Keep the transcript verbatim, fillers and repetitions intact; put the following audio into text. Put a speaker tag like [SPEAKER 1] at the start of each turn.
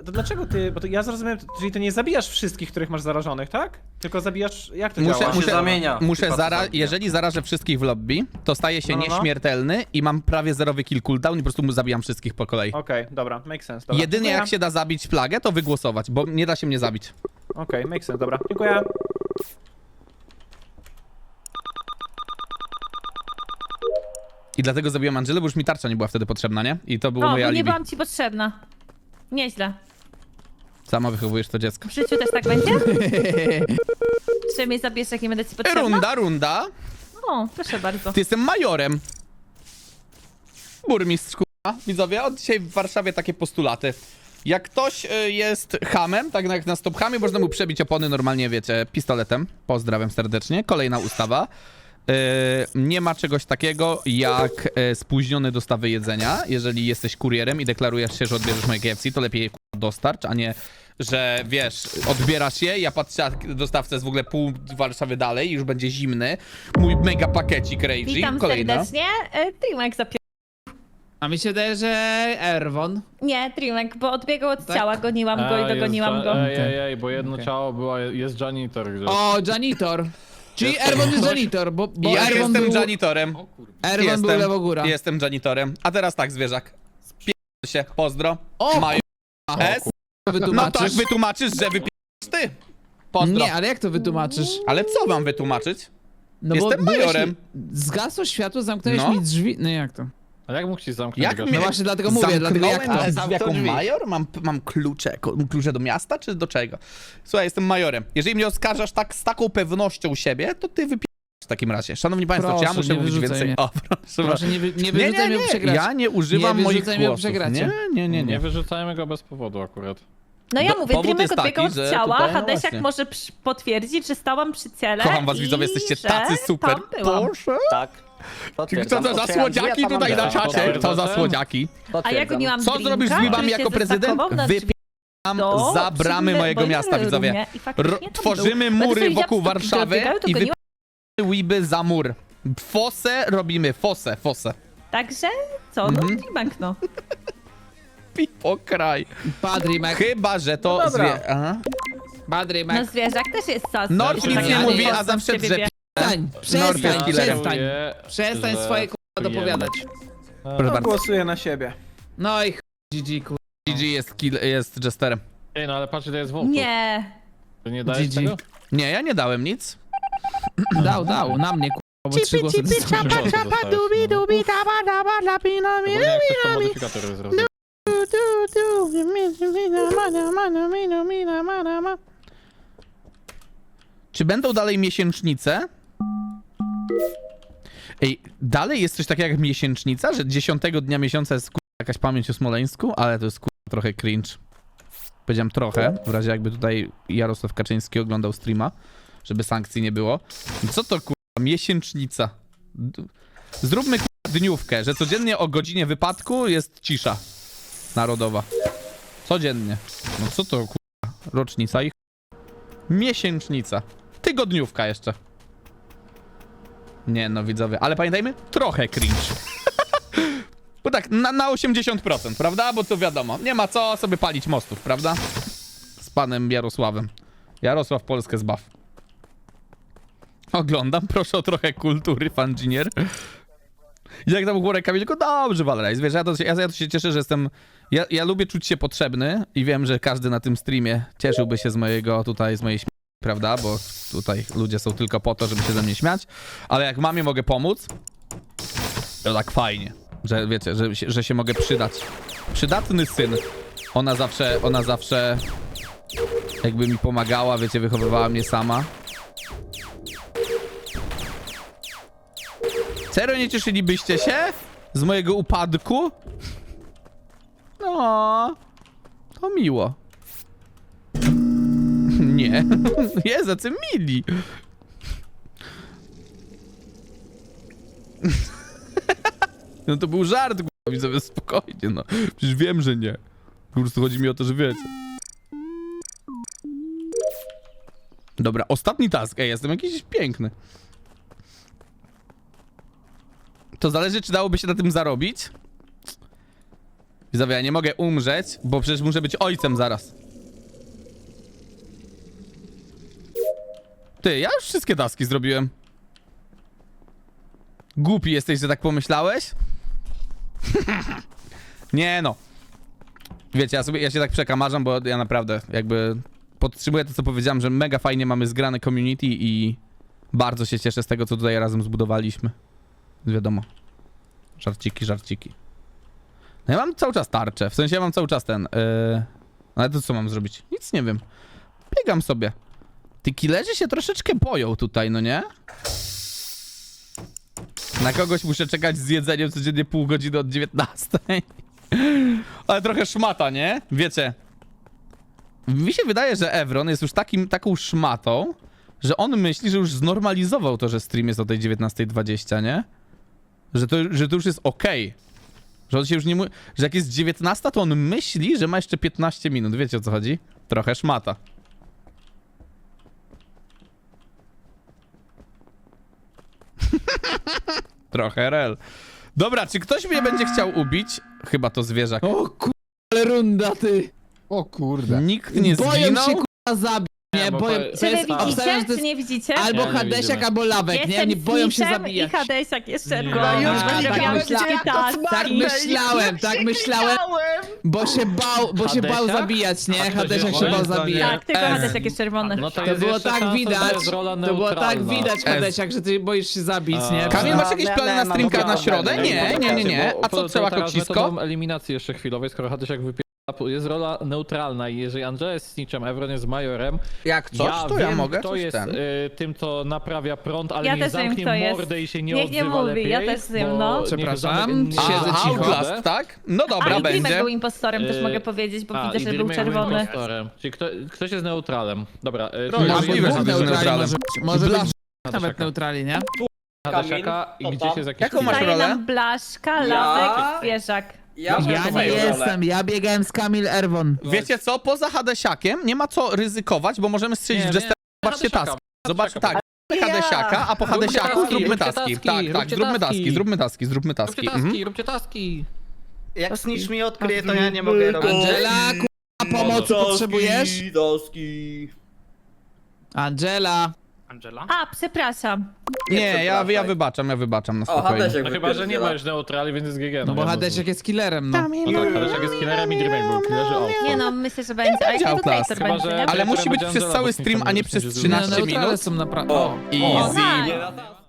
[SPEAKER 1] to dlaczego ty, bo to ja zrozumiałem, czyli ty nie zabijasz wszystkich, których masz zarażonych, tak? Tylko zabijasz, jak to
[SPEAKER 2] Muszę,
[SPEAKER 1] działa?
[SPEAKER 3] się
[SPEAKER 2] muszę,
[SPEAKER 3] zamienia.
[SPEAKER 2] muszę
[SPEAKER 3] Typa, co
[SPEAKER 2] zara
[SPEAKER 3] zabija.
[SPEAKER 2] jeżeli zarażę wszystkich w lobby, to staję się
[SPEAKER 1] No, no, no.
[SPEAKER 2] nieśmiertelny i mam prawie zerowy kill cooldown i po prostu mu zabijam wszystkich po kolei.
[SPEAKER 1] Okej, dobra, make sense, dobra.
[SPEAKER 2] Jedynie
[SPEAKER 1] Dziękuję.
[SPEAKER 2] jak się da zabić plagę, to wygłosować, bo nie da się mnie zabić.
[SPEAKER 1] Okej, make sense, dobra, dziękuję.
[SPEAKER 2] I dlatego zabiłem Angelę, bo już mi tarcza nie była wtedy potrzebna, nie? I to było
[SPEAKER 4] O,
[SPEAKER 2] moje
[SPEAKER 4] bo nie
[SPEAKER 2] alibi.
[SPEAKER 4] byłam ci potrzebna. Nieźle.
[SPEAKER 2] Sama wychowujesz to dziecko.
[SPEAKER 4] W życiu też tak będzie? Czy mnie zabierz, jak nie będę ci potrzebna?
[SPEAKER 2] Runda, runda.
[SPEAKER 4] O, proszę bardzo.
[SPEAKER 2] Ty jestem majorem. Burmistrz, kurwa. Widzowie, od dzisiaj w Warszawie takie postulaty. Jak ktoś y, jest hamem, tak jak na stop hamie, można mu przebić opony normalnie, wiecie, pistoletem. Pozdrawiam serdecznie. Kolejna ustawa. Y, nie ma czegoś takiego jak y, spóźnione dostawy jedzenia. Jeżeli jesteś kurierem i deklarujesz się, że odbierzesz moje K F C, to lepiej je kurwa, dostarcz, a nie, że wiesz, odbierasz je, ja patrzę, a dostawca jest w ogóle pół Warszawy dalej i już będzie zimny. Mój mega pakiecik Rage.
[SPEAKER 4] Witam
[SPEAKER 2] Kolejna.
[SPEAKER 4] serdecznie. E, Trimek zapier...
[SPEAKER 5] A mi się wydaje, że Erwon.
[SPEAKER 4] Nie, Trimek, bo odbiegał od
[SPEAKER 5] Tak?
[SPEAKER 4] ciała, goniłam go i
[SPEAKER 6] A,
[SPEAKER 4] dogoniłam
[SPEAKER 6] jest,
[SPEAKER 4] go.
[SPEAKER 6] Ej, ej, ej, bo jedno
[SPEAKER 5] Okej.
[SPEAKER 6] ciało było, jest janitor gdzieś.
[SPEAKER 5] O, janitor. Czyli Erwon jest janitor, bo, bo
[SPEAKER 2] Ja
[SPEAKER 5] Erwon
[SPEAKER 2] jestem
[SPEAKER 5] był...
[SPEAKER 2] janitorem.
[SPEAKER 5] Erwon
[SPEAKER 2] jestem,
[SPEAKER 5] był lewogóra.
[SPEAKER 2] Jestem janitorem. A teraz tak, zwierzak. Spier się, pozdro.
[SPEAKER 5] O,
[SPEAKER 2] Maju S. No
[SPEAKER 5] Wytłumaczysz?
[SPEAKER 2] tak, wytłumaczysz, że wypierdolisz ty. Pozdro.
[SPEAKER 5] Nie, ale jak to wytłumaczysz?
[SPEAKER 2] Ale co mam wytłumaczyć?
[SPEAKER 5] No
[SPEAKER 2] Jestem
[SPEAKER 5] byłeś-
[SPEAKER 2] majorem.
[SPEAKER 5] Zgasło światło, zamknąłeś
[SPEAKER 2] No.
[SPEAKER 5] mi drzwi. No jak to?
[SPEAKER 6] A jak mógł ci zamknąć
[SPEAKER 2] Jak
[SPEAKER 6] go?
[SPEAKER 2] mnie
[SPEAKER 5] No właśnie dlatego mówię, dlatego jak to?
[SPEAKER 2] zamknąłem
[SPEAKER 3] Ale
[SPEAKER 2] drzwi jako
[SPEAKER 3] zamknął drzwi.
[SPEAKER 2] major? Mam, mam klucze, ko- klucze do miasta, czy do czego? Słuchaj, jestem majorem. Jeżeli mnie oskarżasz tak z taką pewnością siebie, to ty wypierdolisz w takim razie. Szanowni państwo, czy ja
[SPEAKER 5] Proszę,
[SPEAKER 2] muszę
[SPEAKER 5] nie
[SPEAKER 2] mówić
[SPEAKER 5] wyrzucaj
[SPEAKER 2] więcej?
[SPEAKER 5] mnie.
[SPEAKER 2] O, proszę.
[SPEAKER 5] Proszę, nie, wy, nie
[SPEAKER 2] nie,
[SPEAKER 5] wyrzucaj
[SPEAKER 2] nie,
[SPEAKER 5] mnie
[SPEAKER 2] nie.
[SPEAKER 5] przegrać.
[SPEAKER 2] Ja nie używam
[SPEAKER 5] Nie
[SPEAKER 2] moich
[SPEAKER 5] wyrzucaj mnie,
[SPEAKER 2] głosów.
[SPEAKER 5] przegracie.
[SPEAKER 2] Nie, nie, nie,
[SPEAKER 6] Nie
[SPEAKER 2] nie.
[SPEAKER 6] wyrzucajmy go bez powodu akurat.
[SPEAKER 4] No ja
[SPEAKER 2] Do-
[SPEAKER 4] mówię,
[SPEAKER 2] powód
[SPEAKER 4] Trimek
[SPEAKER 2] jest
[SPEAKER 4] odbiegał
[SPEAKER 2] taki,
[SPEAKER 4] od
[SPEAKER 2] że
[SPEAKER 4] ciała,
[SPEAKER 2] tutaj, no
[SPEAKER 4] Hadesiak
[SPEAKER 2] właśnie.
[SPEAKER 4] może przy- potwierdzić, że stałam przy ciele
[SPEAKER 2] Kocham was,
[SPEAKER 4] i
[SPEAKER 2] widzowie, jesteście
[SPEAKER 4] że
[SPEAKER 2] tacy super.
[SPEAKER 4] tam byłam.
[SPEAKER 2] Proszę.
[SPEAKER 3] Tak.
[SPEAKER 2] Co
[SPEAKER 3] Potwierdzam.
[SPEAKER 2] to za
[SPEAKER 3] Otwieram drzwi,
[SPEAKER 2] słodziaki
[SPEAKER 3] a tam
[SPEAKER 2] tutaj na
[SPEAKER 3] Andrzej.
[SPEAKER 2] czacie? Co za
[SPEAKER 6] Potwierdzam.
[SPEAKER 2] słodziaki?
[SPEAKER 4] A ja
[SPEAKER 3] Potwierdzam.
[SPEAKER 4] goniłam
[SPEAKER 2] Co
[SPEAKER 4] drinka,
[SPEAKER 2] zrobisz z grybami
[SPEAKER 4] który
[SPEAKER 2] jako
[SPEAKER 4] się
[SPEAKER 2] prezydent?
[SPEAKER 4] zastakował na drzwi
[SPEAKER 2] Wypijam
[SPEAKER 4] do
[SPEAKER 2] za bramy
[SPEAKER 4] przyczynne
[SPEAKER 2] mojego
[SPEAKER 4] boilery
[SPEAKER 2] miasta, widzowie.
[SPEAKER 4] rumie i faktycznie
[SPEAKER 2] Ro-
[SPEAKER 4] tam
[SPEAKER 2] tworzymy
[SPEAKER 4] był.
[SPEAKER 2] mury
[SPEAKER 4] Dlatego
[SPEAKER 2] wokół
[SPEAKER 4] widziałam, że
[SPEAKER 2] Warszawy
[SPEAKER 4] odbiegają, to
[SPEAKER 2] i
[SPEAKER 4] goniłam.
[SPEAKER 2] wypijamy łyby za mur. Fosę robimy, fosę, fosę.
[SPEAKER 4] Także co, no
[SPEAKER 2] Mhm.
[SPEAKER 4] Trimek no.
[SPEAKER 2] Pipo kraj.
[SPEAKER 5] Padrimek,
[SPEAKER 2] Chyba, że to
[SPEAKER 1] No dobra.
[SPEAKER 2] zwie... Aha.
[SPEAKER 4] No
[SPEAKER 5] Padrimek.
[SPEAKER 4] zwierzak też jest sos.
[SPEAKER 2] Norf
[SPEAKER 6] Znaczy,
[SPEAKER 2] nic
[SPEAKER 6] tak
[SPEAKER 2] nie
[SPEAKER 6] jak
[SPEAKER 2] mówi,
[SPEAKER 6] jest,
[SPEAKER 2] a zawsze drze.
[SPEAKER 5] Przestań,
[SPEAKER 2] Norf jest
[SPEAKER 5] przestań,
[SPEAKER 2] killerem.
[SPEAKER 5] przestań.
[SPEAKER 6] Czuję,
[SPEAKER 5] Przestań
[SPEAKER 6] że
[SPEAKER 5] swoje k***a dopowiadać.
[SPEAKER 2] Proszę
[SPEAKER 1] No,
[SPEAKER 2] bardzo.
[SPEAKER 1] głosuję na siebie.
[SPEAKER 5] No i ch... G G, kur...
[SPEAKER 2] G G jest, kill, jest jesterem.
[SPEAKER 6] Ej, no ale patrz, ile jest wołtów.
[SPEAKER 4] Nie.
[SPEAKER 6] Ty nie dajesz
[SPEAKER 5] G G.
[SPEAKER 6] tego?
[SPEAKER 2] Nie, ja nie dałem nic.
[SPEAKER 5] Dał, dał, na mnie, k***a, bo trzy głosy dostałem.
[SPEAKER 6] Czapa, czapa, dubi, dubi, Ogólnie jak ktoś to modyfikator jest rozumiem.
[SPEAKER 2] Czy będą dalej miesięcznice? Ej, dalej jest coś takiego jak miesięcznica, że dziesiątego dnia miesiąca jest kurwa, jakaś pamięć o Smoleńsku, ale to jest kurwa, trochę cringe. Powiedziałem trochę, w razie jakby tutaj Jarosław Kaczyński oglądał streama, żeby sankcji nie było. Co to kurwa, miesięcznica? D- Zróbmy kurwa, dniówkę, że codziennie o godzinie wypadku jest cisza narodowa. Codziennie. No co to kurwa, rocznica i miesięcznica. Tygodniówka jeszcze. Nie no, widzowie, ale pamiętajmy, trochę cringe. Bo tak, na, na osiemdziesiąt procent, prawda? Bo to wiadomo, nie ma co sobie palić mostów, prawda? Z panem Jarosławem. Jarosław Polskę zbaw. Oglądam, proszę o trochę kultury, fanginier. Jak tam chłorek Kamilko? Dobrze, Valerize, wiesz, ja to, ja, ja to się cieszę, że jestem... Ja, ja lubię czuć się potrzebny i wiem, że każdy na tym streamie cieszyłby się z mojego tutaj, z mojej śmierci, prawda? Bo tutaj ludzie są tylko po to, żeby się ze mnie śmiać. Ale jak mamie mogę pomóc, to tak fajnie, że wiecie, że, się- że się mogę przydać. Przydatny syn. Ona zawsze, ona zawsze jakby mi pomagała, wiecie, wychowywała mnie sama. Serio nie cieszylibyście się z mojego upadku? No, to miło. Nie, jest jacy mili. No to był żart, k***a, widzowie, spokojnie, no. Przecież wiem, że nie. Po prostu chodzi mi o to, że wiecie. Dobra, ostatni task. Ej, jestem jakiś piękny. To zależy, czy dałoby się na tym zarobić. Widzowie, ja nie mogę umrzeć, bo przecież muszę być ojcem zaraz. Ty, ja już wszystkie taski zrobiłem. Głupi jesteś, że tak pomyślałeś? Nie no. Wiecie, ja, sobie, ja się tak przekamarzam, bo ja naprawdę jakby podtrzymuję to, co powiedziałem, że mega fajnie mamy zgrane community i bardzo się cieszę z tego, co tutaj razem zbudowaliśmy. Wiadomo. Żarciki, żarciki. No ja mam cały czas tarczę, w sensie ja mam cały czas ten... Yy... Ale to co mam zrobić? Nic nie wiem. Biegam sobie. Ty killerzy się troszeczkę boją tutaj, no nie? Na kogoś muszę czekać z jedzeniem codziennie pół godziny od dziewiętnastej. Ale trochę szmata, nie? Wiecie. Mi się wydaje, że Evron jest już takim, taką szmatą, że on myśli, że już znormalizował to, że stream jest o tej dziewiętnastej dwadzieścia, nie? Że to, że to już jest okej. Że on się już nie mówi, że jak jest dziewiętnasta, to on myśli, że ma jeszcze piętnaście minut. Wiecie, o co chodzi? Trochę szmata. Trochę rel. Dobra, czy ktoś mnie będzie chciał ubić? Chyba to zwierzak.
[SPEAKER 5] O kur... ale runda, ty.
[SPEAKER 6] O kurde.
[SPEAKER 2] Nikt nie
[SPEAKER 5] Boję
[SPEAKER 2] zginął?
[SPEAKER 5] się kurwa zabić, nie?
[SPEAKER 6] bo
[SPEAKER 5] Boję...
[SPEAKER 6] to-
[SPEAKER 4] Czy wy
[SPEAKER 5] jest- obstawiam, że
[SPEAKER 4] widzicie,
[SPEAKER 5] to
[SPEAKER 4] czy
[SPEAKER 5] jest
[SPEAKER 4] nie widzicie?
[SPEAKER 5] albo
[SPEAKER 6] Nie, nie
[SPEAKER 5] Hadesiak,
[SPEAKER 6] widzimy.
[SPEAKER 5] albo Lawek, nie?
[SPEAKER 4] Jestem
[SPEAKER 5] Nie boją się
[SPEAKER 4] Snitchem
[SPEAKER 5] zabijać.
[SPEAKER 4] i Hadesiak jest
[SPEAKER 5] No,
[SPEAKER 4] czerwony.
[SPEAKER 5] już
[SPEAKER 4] bo
[SPEAKER 5] tak
[SPEAKER 4] zrobiłam
[SPEAKER 5] myśla-
[SPEAKER 4] wszystkie
[SPEAKER 5] Tak
[SPEAKER 4] taski.
[SPEAKER 5] myślałem, tak myślałem, bo się bał, bo się bał
[SPEAKER 6] Hadesiak?
[SPEAKER 5] zabijać, nie?
[SPEAKER 6] A ktoś
[SPEAKER 5] Hadesiak
[SPEAKER 6] jest
[SPEAKER 5] się bał
[SPEAKER 6] czerwony?
[SPEAKER 5] zabijać.
[SPEAKER 4] Tak, tylko
[SPEAKER 2] S.
[SPEAKER 4] Hadesiak jest czerwony.
[SPEAKER 6] No to,
[SPEAKER 5] To
[SPEAKER 6] jest
[SPEAKER 5] było
[SPEAKER 6] jeszcze
[SPEAKER 5] tak
[SPEAKER 6] szansa, że
[SPEAKER 5] widać,
[SPEAKER 6] jest rola
[SPEAKER 5] to było tak
[SPEAKER 6] neutralna.
[SPEAKER 5] widać,
[SPEAKER 2] S.
[SPEAKER 5] Hadesiak, że ty boisz się zabić, nie?
[SPEAKER 6] A.
[SPEAKER 2] Kamil, masz jakieś plany na streamka na środę? Nie, nie, nie, nie. A co,
[SPEAKER 6] Bo-
[SPEAKER 2] trzeba
[SPEAKER 6] to teraz
[SPEAKER 2] kocisko?
[SPEAKER 6] metodą eliminacji jeszcze chwilowej, skoro Hadesiak wypiera, jest rola neutralna i jeżeli Angela jest snitchem, Evron jest majorem,
[SPEAKER 2] Jak coś,
[SPEAKER 6] ja
[SPEAKER 2] to
[SPEAKER 6] wiem,
[SPEAKER 2] ja mogę
[SPEAKER 6] kto
[SPEAKER 2] coś
[SPEAKER 6] jest
[SPEAKER 2] ten.
[SPEAKER 6] y, tym, co naprawia prąd, ale
[SPEAKER 4] Ja
[SPEAKER 6] niech
[SPEAKER 4] też wiem,
[SPEAKER 6] zamknie
[SPEAKER 4] kto jest.
[SPEAKER 6] mordę i się nie
[SPEAKER 4] Niech nie
[SPEAKER 6] odzywa
[SPEAKER 4] mówi,
[SPEAKER 6] lepiej,
[SPEAKER 4] ja też wiem,
[SPEAKER 6] bo
[SPEAKER 4] no.
[SPEAKER 6] niech
[SPEAKER 5] Przepraszam,
[SPEAKER 6] zamyka-
[SPEAKER 5] siedzę
[SPEAKER 2] A,
[SPEAKER 5] cicho.
[SPEAKER 2] Outlast, tak? No
[SPEAKER 4] A,
[SPEAKER 2] dobra,
[SPEAKER 4] i Dreamek
[SPEAKER 2] będzie.
[SPEAKER 4] był impostorem, też
[SPEAKER 6] Yy,
[SPEAKER 4] mogę powiedzieć, bo
[SPEAKER 6] A,
[SPEAKER 4] widzę,
[SPEAKER 6] i
[SPEAKER 4] że był
[SPEAKER 6] Dreamek
[SPEAKER 4] czerwony.
[SPEAKER 6] impostorem. Czyli kto, ktoś jest neutralem. Dobra, y,
[SPEAKER 2] No,
[SPEAKER 6] czyli
[SPEAKER 2] ja
[SPEAKER 5] A
[SPEAKER 6] jest
[SPEAKER 2] możliwe,
[SPEAKER 5] dwóch
[SPEAKER 2] że to jest
[SPEAKER 5] neutrali
[SPEAKER 2] neutralem.
[SPEAKER 5] może, może być
[SPEAKER 2] Blaszka.
[SPEAKER 5] nawet
[SPEAKER 6] Hadesiaka.
[SPEAKER 5] neutrali, nie?
[SPEAKER 6] Hadesiaka i gdzieś jest jakiś...
[SPEAKER 2] Jaką masz
[SPEAKER 4] Daje
[SPEAKER 2] rolę?
[SPEAKER 4] nam Blaszka, Lawek, zwierzak.
[SPEAKER 3] Ja,
[SPEAKER 5] Ja nie jestem, ja biegałem z Kamil Erwon.
[SPEAKER 2] Wiecie co, poza Hadesiakiem nie ma co ryzykować, bo możemy strzelić
[SPEAKER 6] Nie,
[SPEAKER 2] w
[SPEAKER 6] nie,
[SPEAKER 2] Jester. Zobaczcie
[SPEAKER 6] Hadesiaka,
[SPEAKER 2] taski. Zobaczcie, tak.
[SPEAKER 3] Ja.
[SPEAKER 2] Hadesiaka, a po
[SPEAKER 6] Róbcie
[SPEAKER 2] Hadesiaku
[SPEAKER 6] taski,
[SPEAKER 2] zróbmy
[SPEAKER 6] róbcie
[SPEAKER 2] taski.
[SPEAKER 6] taski,
[SPEAKER 2] Tak, tak,
[SPEAKER 6] róbcie
[SPEAKER 2] zróbmy
[SPEAKER 6] taski.
[SPEAKER 2] taski, zróbmy taski, zróbmy
[SPEAKER 6] Róbcie
[SPEAKER 2] taski.
[SPEAKER 6] taski,
[SPEAKER 2] Mhm.
[SPEAKER 6] róbcie taski.
[SPEAKER 3] Jak Snitch mi odkryje, to ja nie mogę robić.
[SPEAKER 5] Angela, kurwa, pomocy potrzebujesz?
[SPEAKER 3] Doski.
[SPEAKER 5] Angela.
[SPEAKER 3] Angela?
[SPEAKER 4] A, przepraszam.
[SPEAKER 2] Nie, ja, ja
[SPEAKER 3] przepraszaj.
[SPEAKER 2] wybaczam, ja wybaczam na
[SPEAKER 3] O,
[SPEAKER 2] spokojnie.
[SPEAKER 3] Hadesiak
[SPEAKER 6] No chyba, że nie
[SPEAKER 3] wypierdziela.
[SPEAKER 6] ma już neutrali, więc jest G G.
[SPEAKER 5] No bo Hadesiak jest killerem, no.
[SPEAKER 6] No tak, Hadesiak jest killerem i Dreamek był killerze out.
[SPEAKER 4] Nie no, myślę, że będzie. Ale
[SPEAKER 2] będzie
[SPEAKER 4] to
[SPEAKER 2] Outlast.
[SPEAKER 4] Traitor
[SPEAKER 6] Chyba,
[SPEAKER 4] będzie,
[SPEAKER 6] że-
[SPEAKER 4] nie?
[SPEAKER 2] Ale musi być
[SPEAKER 6] Będzie
[SPEAKER 2] przez
[SPEAKER 6] Angela,
[SPEAKER 2] cały
[SPEAKER 6] bo
[SPEAKER 2] stream,
[SPEAKER 6] nikt
[SPEAKER 2] a nie
[SPEAKER 6] tam
[SPEAKER 2] przez
[SPEAKER 6] nie będzie
[SPEAKER 5] Nie, no,
[SPEAKER 2] trzynaście
[SPEAKER 5] neutrale
[SPEAKER 2] minut.
[SPEAKER 5] są naprawdę...
[SPEAKER 3] O,
[SPEAKER 2] Easy.
[SPEAKER 4] tak.
[SPEAKER 3] nie,